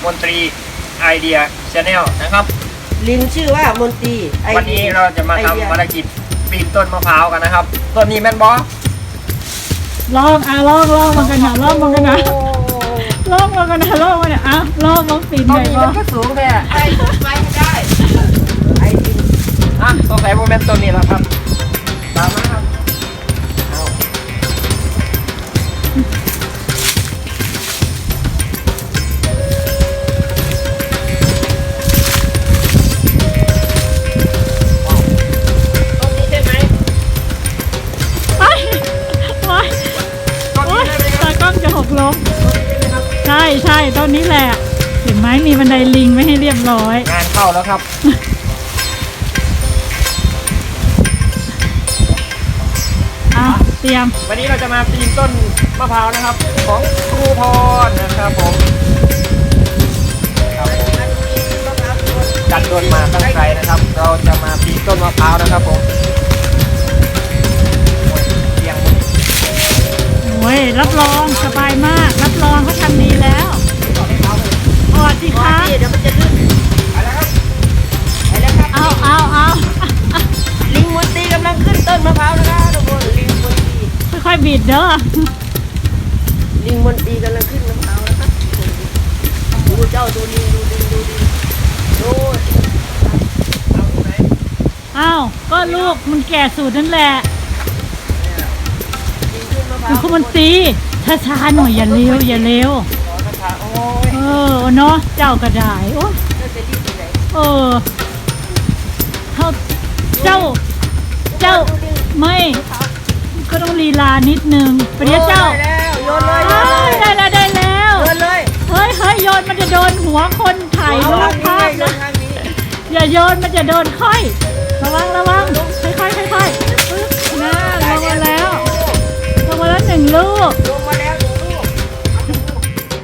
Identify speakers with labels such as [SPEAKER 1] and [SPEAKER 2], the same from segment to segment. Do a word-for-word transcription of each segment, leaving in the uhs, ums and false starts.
[SPEAKER 1] มนตรีไอเดียชาแนลนะครับ
[SPEAKER 2] ลิงชื่อว่ามนตรี
[SPEAKER 1] วันนี้เราจะมาทำภารกิจปีนต้นมะพร้าวกันนะครับต้นนี้แม่นบอ
[SPEAKER 3] ลองอ่ะลองลองมันกันนะลองมันกันนะลองมันกันนะลองมันอ่ะลองลองปีน
[SPEAKER 1] ต้น
[SPEAKER 3] ได้
[SPEAKER 1] นี้
[SPEAKER 3] บ่
[SPEAKER 1] มันก็สูงแท้
[SPEAKER 2] ไอ้ไปให้ได้ไอ้ลิง
[SPEAKER 1] อ่ะสงสัยโมเมนต์ต้นนี้แล้วครับตามมาครับเอาต้นนี้ใช่ไหม
[SPEAKER 3] ไปไป
[SPEAKER 1] ต้น
[SPEAKER 3] โอ๊
[SPEAKER 1] นี้
[SPEAKER 3] ย
[SPEAKER 1] ใช่ไหมครับ
[SPEAKER 3] ตากล้องจะหกล้ม
[SPEAKER 1] ต้นนี้ใช่ไหมครับ
[SPEAKER 3] ใช่ใช่ต้นนี้แหละเห็นไหมมีบันไดลิงไม่ให้เรียบร้อย
[SPEAKER 1] งานเข้าแล้วครับ
[SPEAKER 3] อ่ะเตรียม
[SPEAKER 1] วันนี้เราจะมาปีนต้นมะพร้าวนะครับ ของครูพรนะครับผมครับผมจัดโดนมาตั้งใจนะครับ เราจะมาปีนต้นมะพร้าวนะครับผมเสียงมัน
[SPEAKER 3] โอ้ยรับรองสบายมากรับรองเขาทำดีแล้วออดสิคะ
[SPEAKER 2] เดี๋ยวมันจะลื่น
[SPEAKER 1] ไปแล้วครับ
[SPEAKER 2] ไปแล้วครับ
[SPEAKER 3] เอาเอาเอา
[SPEAKER 2] ลิงมนตรีกำลังขึ้นต้นมะพร้าวนะครับทุกคนลิงมนตรี
[SPEAKER 3] ค่อยๆบิดเด้อ
[SPEAKER 2] ลิงมนตรีกำลังขึ้นมะพร้าวนะครับดูเจ้าดูลิงดูลิงดูลิงดู
[SPEAKER 1] เอาที่ไหน
[SPEAKER 3] อ้าวก็ลูกมันแก่สุดนั่นแหละ
[SPEAKER 2] ลิงขึ้นมะพร้า
[SPEAKER 3] คือ
[SPEAKER 2] ว
[SPEAKER 3] คุณมันตีช้าๆหน่อยอย่าเร็วอย่าเร็ว
[SPEAKER 1] ขอคาถาโอ้ย
[SPEAKER 3] เออเนาะเจ้ากระดายโอ้ย
[SPEAKER 2] เจ้าจะรีบไปไหน
[SPEAKER 3] เออเขาเจ้า เจ้าไม่ก็ต้องลีลานิดนึงไปเดี๋ยวเจ้า
[SPEAKER 2] ได้แล้วโยนเลยโย
[SPEAKER 3] เฮ้
[SPEAKER 2] น
[SPEAKER 3] ย
[SPEAKER 2] เลย
[SPEAKER 3] ได้แล้วได้แล้ว
[SPEAKER 2] โยนเลย
[SPEAKER 3] เฮ้ยเฮ้ยโยนมันจะโดนหัวคนถ่ายรูปภาพ
[SPEAKER 2] โย
[SPEAKER 3] นะ
[SPEAKER 2] นทางนี้
[SPEAKER 3] อย่าโยนมันจะโดนค่อย ระวังระวังค่อยๆค่อยๆปึ๊บน่าลงมาแล้วลงมาแล้วหนึ่งลูก
[SPEAKER 2] ลงมาแล้วหนึ่งลูกเอาหนึ่งลูก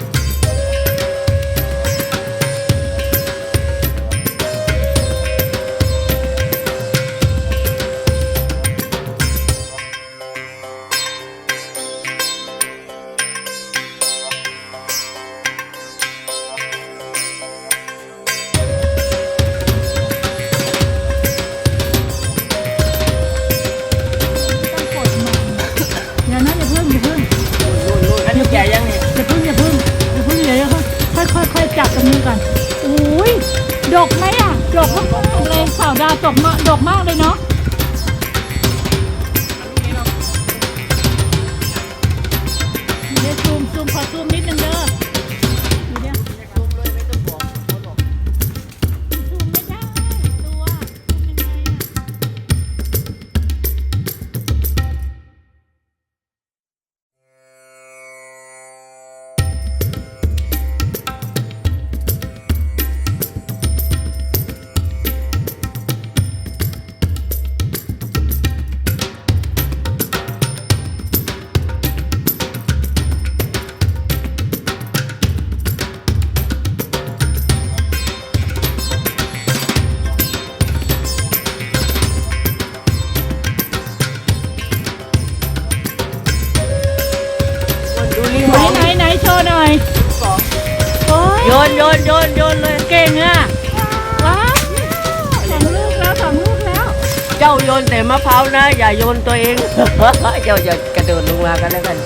[SPEAKER 3] ต้องกดมันอย่านะอย่าเพิ่งอย่าเพิ่ง
[SPEAKER 1] อันนี้แก่ยังนี่
[SPEAKER 3] อย่าเพิ่งอย่าเพิ่งอย่าเพิ่งอย่าเพิ่งค่อยค่อยค่อยจับตรงนี้ก่อนอุ้ยดกไหมอ่ะดกมากๆเลยสาวดาวดกมากดกมากเลยเนาะเดี๋ยวซูมซูมขอซูมนิดนึงเด้อเดี๋ยวซูมไม่ได้ตัวซูมยังไงอะ
[SPEAKER 2] ดูลิง
[SPEAKER 3] ไห
[SPEAKER 2] ม
[SPEAKER 3] น
[SPEAKER 2] อง
[SPEAKER 3] ไหนไหนโชว์หน่อยโอ้ย
[SPEAKER 2] โยนโยนโยนโยนเลย
[SPEAKER 3] เก่งอ่ะว้าวสองลูกแล้วสองลูกแล้ว
[SPEAKER 2] เจ้าโยนแต่มะพร้าวนะ อย่าโยนตัวเอง เจ้าอย่ากระโดดลงมากันแล้วกัน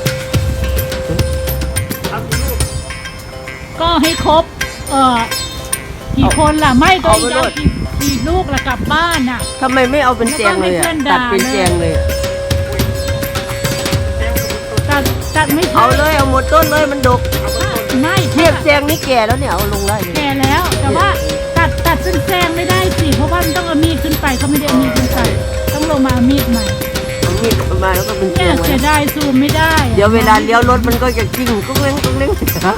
[SPEAKER 1] เอากี่ลูก
[SPEAKER 3] ก็ให้ครบ เอ่อกี่คนล่ะไม่ตัวเองจะเอากี่กี่ลูกละกลับบ้านน่ะ
[SPEAKER 2] ทำไมไม่เอาเป็นเสียงเลยอะ
[SPEAKER 3] แล้วก็ให้เพื่อนด่า
[SPEAKER 2] ตัดเป็นเสียงเลยอะ
[SPEAKER 1] เสียงกับต้น
[SPEAKER 3] ตัดตัดไม่ใช่
[SPEAKER 2] เอาเลยเอาหมดต้นเลยมันดก
[SPEAKER 3] ไม่
[SPEAKER 2] เทียบเสียงนี่แก่แล้วเนี่ยเอาลงได้เลย
[SPEAKER 3] แก่แล้ว แต่ว่าตัดตัดเป็นแซงไม่ได้สิเพราะว่ามันต้องเอามีดขึ้นไปเขาไม่ได้เอามีดขึ้นไปต้องลงมาเอามีดใหม่
[SPEAKER 2] เอามีดมาแล้วก็เป็นเสี
[SPEAKER 3] เนี่ย ย
[SPEAKER 2] งไว้
[SPEAKER 3] เสียดายซูมไม่ได้อะ
[SPEAKER 2] เดี๋ยวเวลาเลี้ยวรถมันก็จะกิ้งกุ้งเล้งกุ้งเล้ง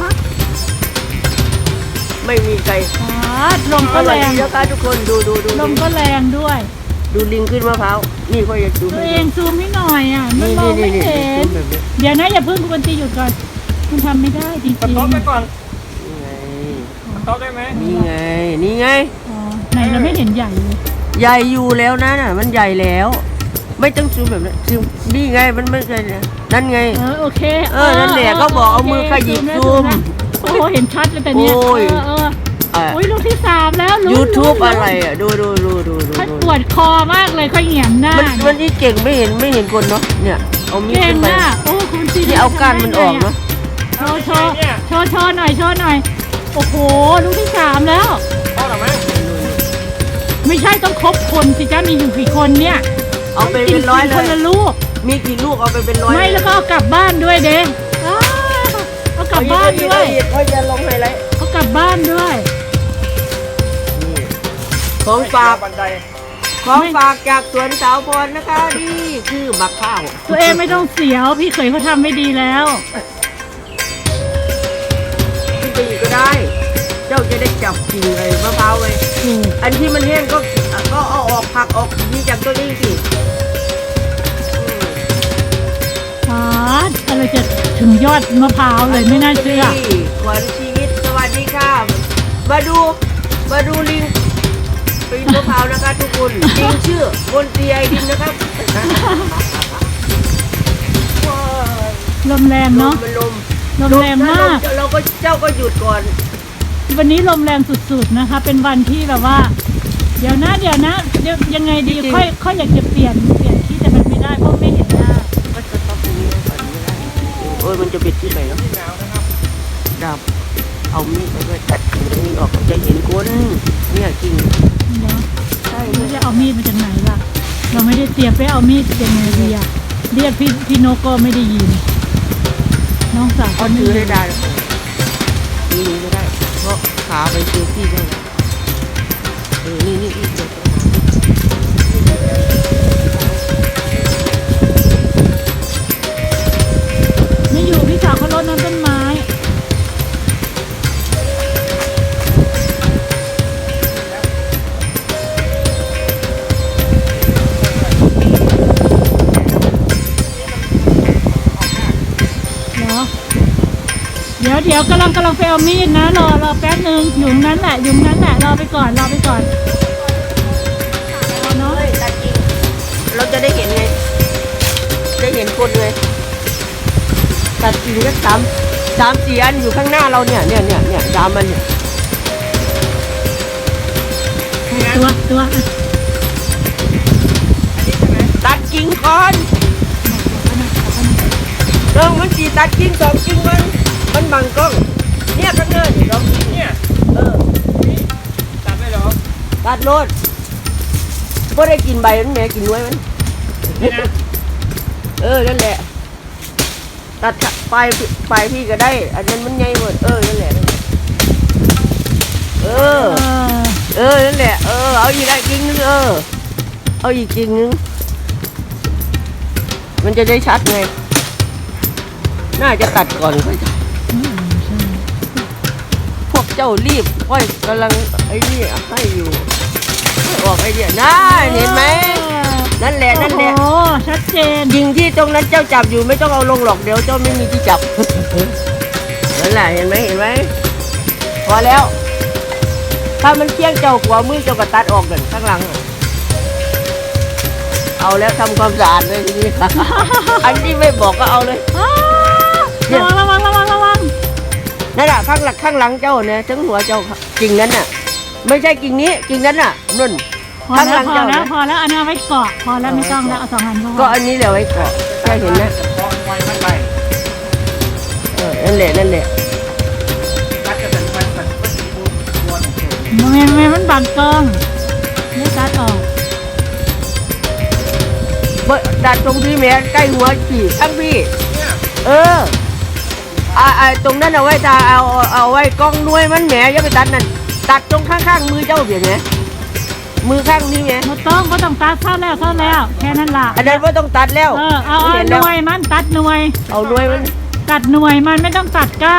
[SPEAKER 2] ไม่มีใคร
[SPEAKER 3] อ๋อลม
[SPEAKER 2] อ
[SPEAKER 3] ก็
[SPEAKER 2] ร่
[SPEAKER 3] แร
[SPEAKER 2] อย
[SPEAKER 3] ง
[SPEAKER 2] ดีนะคะทุกคนดูดูดู
[SPEAKER 3] ลมก็แรงด้วย
[SPEAKER 2] ดูลิงขึ้นมะพร้าวนี่ก็อยากดู
[SPEAKER 3] ตัว
[SPEAKER 2] ให้
[SPEAKER 3] เองซูมให้หน่อยอ่ะมัน
[SPEAKER 2] นี่
[SPEAKER 3] มอง
[SPEAKER 2] นี่
[SPEAKER 3] ไม่
[SPEAKER 2] นี่
[SPEAKER 3] เห็น
[SPEAKER 2] ซูมแบบนี้
[SPEAKER 3] เดี๋ยวนะอย่าเพิ่งคุณตีหยุดก่อนมันทำไม่ได้จริง
[SPEAKER 1] สต็อปไป
[SPEAKER 3] ๆ
[SPEAKER 1] ก่อน
[SPEAKER 2] นี่ไง
[SPEAKER 1] สต็อปได้ไหม
[SPEAKER 2] นี่ไงนี่ไง
[SPEAKER 3] อ๋อไหนเราไม่เห็นใหญ่เลย
[SPEAKER 2] ใหญ่อยู่แล้วนะน่ะมันใหญ่แล้ว ไม่ต้องซูมแบบนั้นซูมนี่ไงมันไม่ใช่นั่นไง
[SPEAKER 3] เออโอเค
[SPEAKER 2] เออนั่นแหละก็บอกเอามือขยิบซูม
[SPEAKER 3] แล้วโอ้โหเห็นชัดเลยแต่เนี้ย
[SPEAKER 2] โอ้ย
[SPEAKER 3] เออเออ
[SPEAKER 2] อ่ะ
[SPEAKER 3] โอ้ยลูกที่สามแล้วลุ้น
[SPEAKER 2] YouTube
[SPEAKER 3] ลุ้น
[SPEAKER 2] อะไรอ่ะดูดูดูดูดู
[SPEAKER 3] ฉัน
[SPEAKER 2] ดู
[SPEAKER 3] ปวดคอมากเลยค่อยเหงียงหน้า
[SPEAKER 2] มันมันนี่เก่งไม่เห็นไม่เห็นคนเนาะเนี่ยเอามีด
[SPEAKER 3] เก่ง
[SPEAKER 2] ขึ้นไป
[SPEAKER 3] นะโอ้คุณจี
[SPEAKER 2] นี่เอาก้านมันออกเนาะ
[SPEAKER 3] โชว์โชว์โชว์โชว์หน่อยโชว์หน่อยโอ้โหลูกที่สามแล้ว
[SPEAKER 1] เอาหรอมั้ง
[SPEAKER 3] ไม่ใช่ต้องครบคนสิจ้ามีอยู่กี่คนเนี่ย
[SPEAKER 2] เอาไปเป็นร้อยเล
[SPEAKER 3] คน
[SPEAKER 2] ย
[SPEAKER 3] ละลูก
[SPEAKER 2] มีกี่ลูกเอาไปเป็นร้อย
[SPEAKER 3] ไม่แล้วก็เอากลับบ้านด้วยเด้อ้าวเอากลับบ้านด้วย
[SPEAKER 2] เขาจะลงไฮไลท์
[SPEAKER 3] เอากลับบ้านด้วย
[SPEAKER 2] ของฝาก
[SPEAKER 1] บันได
[SPEAKER 2] ของฝากจากสวนสาวพรนะคะนี่คือบักข้าว
[SPEAKER 3] ตัวเองไม่ต้องเสียวพี่เขยเขาทำไม่ดีแล้ว
[SPEAKER 2] ขึ้นไปอีกก็ได้ เจ้าจะได้จับกิ่งเลยมะพร้าวไว้
[SPEAKER 3] ถูก
[SPEAKER 2] อันที่มันแห้งก็ก็เอาออกผักออกนี่จากตัวนี้สิ
[SPEAKER 3] ฟาดอะไรจะถึงยอดมะพร้าวเลยไม่น่าเชื่อ
[SPEAKER 2] นี่ขวัญชีวิตสวัสดีค่ะมาดูมาดูลิงปีนมะพร้าวนะคะทุกคนลิงชื่อบนเตียไอดินนะครับ
[SPEAKER 3] ลมแรง
[SPEAKER 2] ล
[SPEAKER 3] เนาะ
[SPEAKER 2] มมันลม
[SPEAKER 3] ลมแรงมาก
[SPEAKER 2] ลเราก็เจ้าก็หยุดก่อน
[SPEAKER 3] วันนี้ลมแรงสุดๆนะคะ เป็นวันที่แบบว่า เดี๋ยวนะเดี๋ยวนะเดี๋ยวยังไงดีค่อยค่อยอยากจะเปลี่ยนเปลี่ยนที่แต่มันไม่ได้เพราะไม่เห็นหน้า
[SPEAKER 2] ก็จะต้องตรงนี้ก่อนไม่ได้โอ้ยมันจะปิดที่ไหนเนาะ
[SPEAKER 1] ที่หนาวนะครับ
[SPEAKER 2] ดับเอามีดไปด้วยตัดกิ่งตรงนี้ออกจะเห็นคนเนี่ยกิ่ง
[SPEAKER 3] เนาะใช่ไม่ได้เอามีดมาจากไหนล่ะ เราไม่ได้เตรียมไปเอามีดยังไงดีอะเรียกพี่พี่นกก็ไม่ได้ยิน น้องสาว
[SPEAKER 2] เขา
[SPEAKER 3] ก็ไม่
[SPEAKER 2] ถือ
[SPEAKER 3] ได้
[SPEAKER 2] ได้ได้นี่นี่ไม่ได้เพราะขาไปเจอที่ได้เออนี่นี่อีกเดี๋ยว
[SPEAKER 3] ไม่อยู่พี่สาวเขารดน้ำต้นไม้ เหรอ เดี๋ยวเดี๋ยวกำลังกำลังไปเอามีดนะรอรอแป๊บนึงอยู่ตรงนั้นแหละอยู่ตรงนั้นแหละรอไปก่อนรอไปก่อนเนาะ
[SPEAKER 2] เฮ้ยตัดกิ่งเราจะได้เห็นไง ได้เห็นคนไงตัดกิ่งก็สามสามสี่อันอยู่ข้างหน้าเราเนี่ยเนี่ยเนี่ยเนี่ยดามมันเนี่ย
[SPEAKER 3] ตัวตัวอ่ะ
[SPEAKER 2] ตัดกิ่งก่อนเรื่องมันจีตัดกิ่งสองกิ่งมันมันบังกล้องเนี่ยข้างหน้านี่เรา
[SPEAKER 1] เนี่ย
[SPEAKER 2] เออ
[SPEAKER 1] ตัดไม่หรอ
[SPEAKER 2] ตัดโลดก็ได้กินใบมันแหม่กินน้วยมัน
[SPEAKER 1] นี่นะ
[SPEAKER 2] เออนั่นแหละ ตัดปลายปลายพี่ก็ได้ อันนั้นมันใหญ่หมดเออนั่นแหละเออ
[SPEAKER 3] เออ
[SPEAKER 2] เออนั่นแหละเออเอาอีกได้กิ่งนึงเออเอาอีกกิ่งนึงมันจะได้ชัดไงน่าจะตัดก่อนค่อย
[SPEAKER 3] อืมใช่
[SPEAKER 2] พวกเจ้ารีบค่อยกำลังไอ้นี่ให้อยู่ให้ออกไอเดียน่าเห็นไหมนั่นแหละนั่นแหละ
[SPEAKER 3] โอ้โหชัดเจน
[SPEAKER 2] ยิงที่ตรงนั้นเจ้าจับอยู่ไม่ต้องเอาลงหรอกเดี๋ยวเจ้าไม่มีที่จับ นั่นแหละเห็นไหมเห็นไหมพอแล้ว ถ้ามันเคี่ยงเจ้าขวามือเจ้าก็ตัดออกเลยข้างหลังอะเอาแล้วทำความสะอาดเลยทีนี้ อันที่ไม่บอกก็เอาเลย
[SPEAKER 3] อ้าวระวังระวังระวังระวัง
[SPEAKER 2] นั่นแหละข้างหลังข้างหลังเจ้าเนี่ยทั้งหัวเจ้ากิ่งนั้นน่ะ ไม่ใช่กิ่งนี้กิ่งนั้นน่ะนุ่น
[SPEAKER 3] พอ
[SPEAKER 2] ข้างห
[SPEAKER 3] แล้
[SPEAKER 2] ลั
[SPEAKER 3] ว
[SPEAKER 2] ง
[SPEAKER 3] พอ
[SPEAKER 2] เจ้า
[SPEAKER 3] แล้ว
[SPEAKER 2] นะ
[SPEAKER 3] พอแล้วอันนี้เอาไว้เกาะพอแล้วไม่ต้องแล้วเอาสองอันพอ
[SPEAKER 2] ก็อันนี้แหละไว้เกาะแค่เห็นนะ
[SPEAKER 1] พอไฟมันไป
[SPEAKER 2] เออนั่นแหละนั่นแหละ
[SPEAKER 1] ตัดจะเป็นไฟมันก็สีบูตัวหนึ่งเฉย
[SPEAKER 3] มันมันมันบังกล้องไม่ตัดออก
[SPEAKER 2] เบิดดัดตรงที่แม่ใกล้หัวขี่ทั้งพี่
[SPEAKER 1] เนี่ย
[SPEAKER 2] เอออ่าอ่าตรงนั้นเอาไว้ตาเอาเอาเอาไว้กล้องหน่วยมันแหมอย่าไปตัดนั่นตัดตรงข้างๆมือเจ้าเปลี่ยนไหมมือข้างนี้ไง
[SPEAKER 3] ไม่ต้องก็ต้องตัดเท่าแล้วเท่าแล้วแค่นั้นล่ะ
[SPEAKER 2] อันนั้นว่าต้องตัดแล้ว
[SPEAKER 3] เออเอาเอา
[SPEAKER 2] เห็น
[SPEAKER 3] ห
[SPEAKER 2] แล้ว
[SPEAKER 3] น่วยมันตัดหน่วย
[SPEAKER 2] เอาหน่วยมัน
[SPEAKER 3] ตัดหน่วยมันไม่ต้องตัดก้าน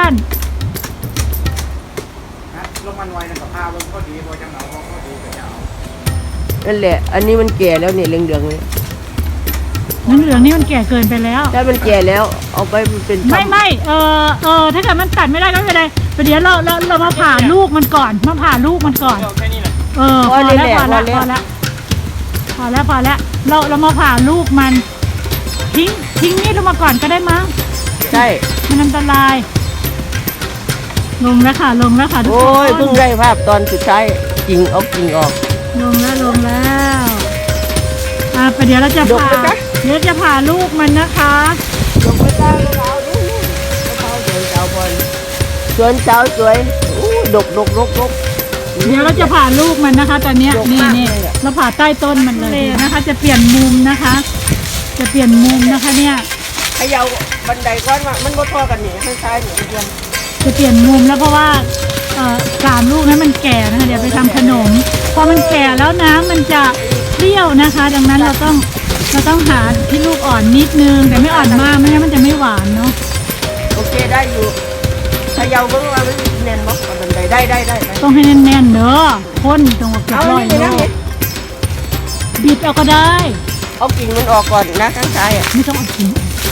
[SPEAKER 1] นะลงมันไวนะกับพาลงก็ดีพอจะเหงาก็ดีแต่จะเอา
[SPEAKER 2] นั่นแหละ อันนี้มันแก่แล้วเนี่ยเหลืองๆเลย
[SPEAKER 3] น้ำเหลืองนี่มันแก่เกินไปแล้ว
[SPEAKER 2] ถ้ามันแก่แล้ว เอาไปเป็น
[SPEAKER 3] ไม่ไม่เออเออถ้าเกิดมันตัดไม่ได้ก็ไม่เป็นไรเดี๋ยวเราเราเรามาผ่าลูกมันก่อนมาผ่าลูกมันก่อน
[SPEAKER 1] เดี๋ยวแค่นี้แหละ
[SPEAKER 3] เออพอแล้วพอแล้วพอแล้วพอแล้วพอแล้วเราเรามาผ่าลูกมัน ทิ้งทิ้งมีดลงมาก่อนก็ได้มั้ง
[SPEAKER 2] ใช่
[SPEAKER 3] มันอันตรายลงแล้วค่ะลงแล้วค่ะทุก
[SPEAKER 2] โอ้
[SPEAKER 3] ค
[SPEAKER 2] ย
[SPEAKER 3] น
[SPEAKER 2] เพิ่งได้ภาพตอนสุดท้ายกิ่งเอากิ่งออก
[SPEAKER 3] ลงแล้วลงแล้วอ่ะไปเดี๋ยวเราจะ
[SPEAKER 2] ยก
[SPEAKER 3] ผ่า
[SPEAKER 2] ไหมคะ
[SPEAKER 3] เดี๋ยวจะผ่าลูกมันนะคะ
[SPEAKER 2] ลงไปได้มะพร้าวดูมะพร้าวสวนสาวบอลสวนสาวสวยอู้ดกดกดกดก
[SPEAKER 3] เดี๋ยวเราจะผ่าลูกมันนะคะ ตอนเนี้ย
[SPEAKER 2] ยก
[SPEAKER 3] นี่
[SPEAKER 2] มาก
[SPEAKER 3] นี่
[SPEAKER 2] เลยอะ
[SPEAKER 3] เราผ่าใต้ต้นมันเลยนะคะ จะเปลี่ยนมุมนะคะ จะเปลี่ยนมุมนะคะเนี่ย
[SPEAKER 2] เขย่าบันไดก้อนว่ามันบ่ทอกันนี่ข้างซ้ายนี่เพื่อน
[SPEAKER 3] จะเปลี่ยนมุมแล้วเพราะว่าเอ่อสามลูกนั้นมันแก่นะคะเดี๋ยวไปทำขนม พอมันแก่แล้วน้ำมันจะเปรี้ยวนะคะ ดังนั้นเราต้องเราต้องหาที่ลูกอ่อนนิดนึง แต่ไม่อ่อนมากไม่งั้นมันจะไม่หวานเนาะ
[SPEAKER 2] โอเคได้อยู่เขย่าเบิ่งว่ามันแน่นบ่บันไดได้ได้ได้ได้
[SPEAKER 3] ต้องให้แน่นๆเนอะข้นตรงกับเกือบ
[SPEAKER 2] เอา
[SPEAKER 3] ร้อย
[SPEAKER 2] นี่
[SPEAKER 3] โล
[SPEAKER 2] เลยนะนี่
[SPEAKER 3] บิดเอาก็ได้
[SPEAKER 2] เอากิ่งมันออกก่อนนะข้างซ้ายอ่ะ
[SPEAKER 3] ไม่ต้องเอาทิ้ง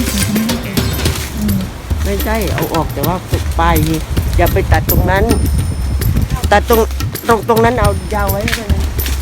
[SPEAKER 2] ไม่ใช่เอาออกแต่ว่าปลายนี่อย่าไปตัดตรงนั้น ตัดตรงตรงตรงนั้นเอายาวไว้ให้มัน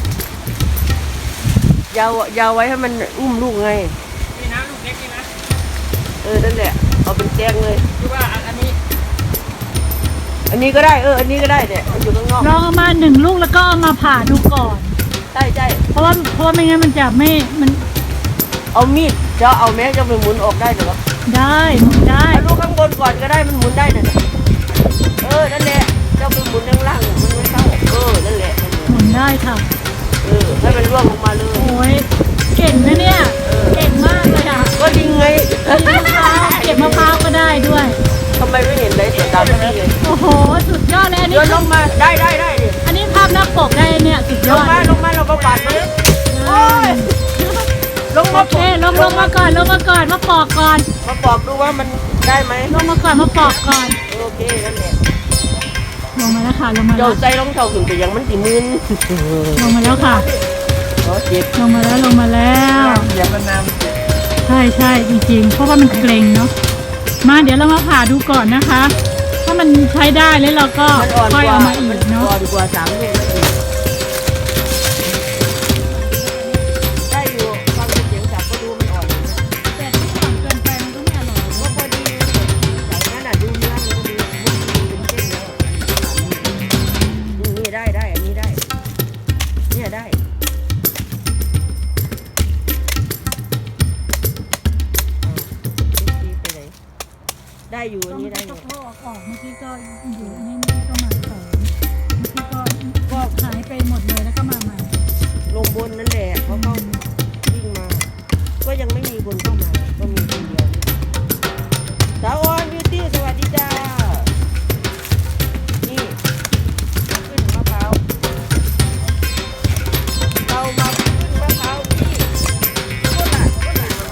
[SPEAKER 2] ยาวยาวไว้ให้มันอุ้มลูกไง
[SPEAKER 1] นี่นะลูกเล็กนี่นะ
[SPEAKER 2] เออนั่นแหละเอาเป็นแจ้งเลย
[SPEAKER 1] คือว่าอันอันนี้
[SPEAKER 2] อันนี้ก็ได้เอออันนี้ก็ได้เนี่ยมันอยู่ข้างนอก
[SPEAKER 3] ลองเอามาหนึ่งลูกแล้วก็เอามาผ่าดูก่อน
[SPEAKER 2] ใช่ใช่
[SPEAKER 3] เพราะว่าเพราะว่าไม่งั้นมันจะไม่มัน
[SPEAKER 2] เอามีดจะเอาแม้จะไปหมุนออกได้เหรอ
[SPEAKER 3] ได้ได้
[SPEAKER 2] เอาลูกข้างบนก่อนก็ได้มันหมุนได้เนี่ยเออนั่นแหละเจ้าไปหมุนข้างล่างมันไม่เข้าเออนั่นแหละนั่นแหละ
[SPEAKER 3] หมุนได้ค่ะ
[SPEAKER 2] เออให้มันร่วงลงมาเลย
[SPEAKER 3] โอ้ยเก่งนะเนี่ยเก่งมากเลยอ่ะ
[SPEAKER 2] ก็ยิงไง
[SPEAKER 3] มะพร้าวเก็บมะพร้าวก็ได้ด้วย
[SPEAKER 2] ทำไมไม่เห็นได้ตัวดำนี่เลย
[SPEAKER 3] โอ้โหสุดยอดเลยอัน
[SPEAKER 2] โย
[SPEAKER 3] นี้
[SPEAKER 2] นลงมาได้ได้ได้ดิ
[SPEAKER 3] อันนี้ภาพหน้าปกได้เนี่ยสุดย
[SPEAKER 2] ล
[SPEAKER 3] อง ด
[SPEAKER 2] มาลงมาเราก็ปาดมาโอ้ยลง
[SPEAKER 3] โอ
[SPEAKER 2] มา
[SPEAKER 3] เคลงลงมาก่อนลงมาก่อนมาปอกก่อน
[SPEAKER 2] มาปอกดูว่ามันได้ไหม
[SPEAKER 3] ลงมาก่อนมาปอกก่อน
[SPEAKER 2] โอเคนั่นแหละ
[SPEAKER 3] ลงมาแล้วค่ะลงมาแล้
[SPEAKER 2] เจ้าว ใจรองเท้าขึ้นไปยังมันสิมึน
[SPEAKER 3] ลงมาแล้วค่ะ
[SPEAKER 2] ขอเจ็บ
[SPEAKER 3] ลงมาแล้วลงมาแล้ว
[SPEAKER 1] เดี๋ยวมันน
[SPEAKER 3] ใช่ใช่จริงๆ เพราะว่ามันเกร็งเนาะมาเดี๋ยวเรามาผ่าดูก่อนนะคะ ถ้ามันใช้ได้แล้วเราก็
[SPEAKER 2] มันอ่อน
[SPEAKER 3] ค่อย
[SPEAKER 2] กว่า
[SPEAKER 3] เอามาอี
[SPEAKER 2] มัน
[SPEAKER 3] กเนาะ
[SPEAKER 2] อ่อนกว่าสามลูกนั่นเองได้อยู่ฟังเสียงจับก็ดูมันอ่อนอยู่นะ
[SPEAKER 3] แต่ที่อ่อนเกินไปมันก็ไม่อร่อย
[SPEAKER 2] ก็พอดีจากนั้นอ่ะดูเนื้อมันก็ดีมันเป็นเส้นแล้วนี่ได้ได้อันนี้ได้เนี่ยได้ไปไหนได้อยู่อันนี้ได้อยู่
[SPEAKER 3] ก็ออกเมื่อกี้ก็อยู่นี่นี่ก็มาเสริมเมื่อกี้ก็ก็หายไปหมดเลยแล้วก็มาใหม่
[SPEAKER 2] ลงบนนั่นแหละเขาเข้าวิ่งมา ก็ยังไม่มีคนเข้ามา ก็มีคนเดียวสาวออนบิวตี้สวัสดีจ้า นี่ขึ้นมะพร้าวเรามาขึ้นมะพร้าวที่โคราชโคราช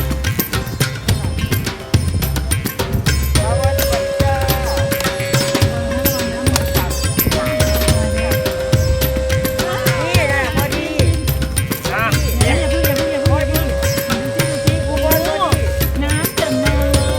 [SPEAKER 2] สาวออนสวัสดีจ้านี่นะพอดี
[SPEAKER 1] ำอ่ะ
[SPEAKER 3] อย่าเพิ่งอย่าเพิ่งอย่าเพิ่งอย่าเพิ่งดูสิดูสิโอ้โหน้ำจันเนยเลย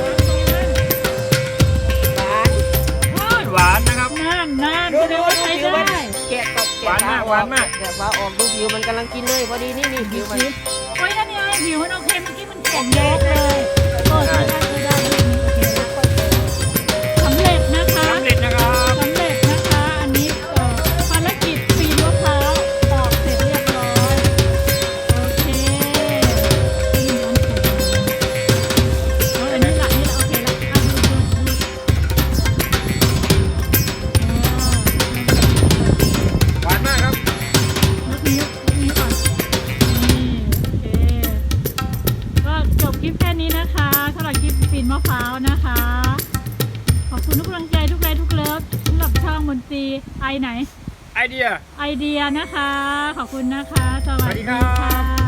[SPEAKER 2] หวาน
[SPEAKER 1] หวานนะครับ
[SPEAKER 3] น่านน่าน
[SPEAKER 2] ดู
[SPEAKER 3] แสด
[SPEAKER 2] ดู
[SPEAKER 3] งว่า
[SPEAKER 2] ดู
[SPEAKER 3] ใช้
[SPEAKER 2] ผิวมัน
[SPEAKER 3] ได้
[SPEAKER 2] แกะกับแกะ
[SPEAKER 1] หวานมาก
[SPEAKER 2] ฟ้
[SPEAKER 1] หวานมาก
[SPEAKER 2] แกะฟ้าออกดูผิวมันกำลังกินเลย พอดีนี่นี่ผิวมัน
[SPEAKER 3] โอ้ยนั่นไงผิวมันโอเคเมื่อกี้มันแข็งเยอะเลยโอ้ใช้ได้ใช้ได้โอเคสำเร็จนะคะ
[SPEAKER 1] สำเร็จนะครับ
[SPEAKER 3] สำเร็จนะคะ อันนี้เอ่อภารกิจปีนมะพร้าวตอกเสร็จเรียบร้อย โอเคนี่ร้อนเสร็จแล้วอันนี้ละนี่ละโอเคละอ่ะดูดูดูอ่า
[SPEAKER 1] หวานมากครับ
[SPEAKER 3] ยกนิ้วยกนิ้วก่อนนี่โอเค ก็จบคลิปแค่นี้นะคะสำหรับคลิปปีนมะพร้าวนะคะ ขอบคุณทุกกำลังใจทุกไลค์ทุกเลิฟสำหรับช่องมนตรีไอไหน
[SPEAKER 1] ไอเดีย
[SPEAKER 3] ไอเดียนะคะ ขอบคุณนะคะ สวัส
[SPEAKER 1] สวัสดี
[SPEAKER 3] ดี
[SPEAKER 1] ครั
[SPEAKER 3] ค่ะ
[SPEAKER 1] บ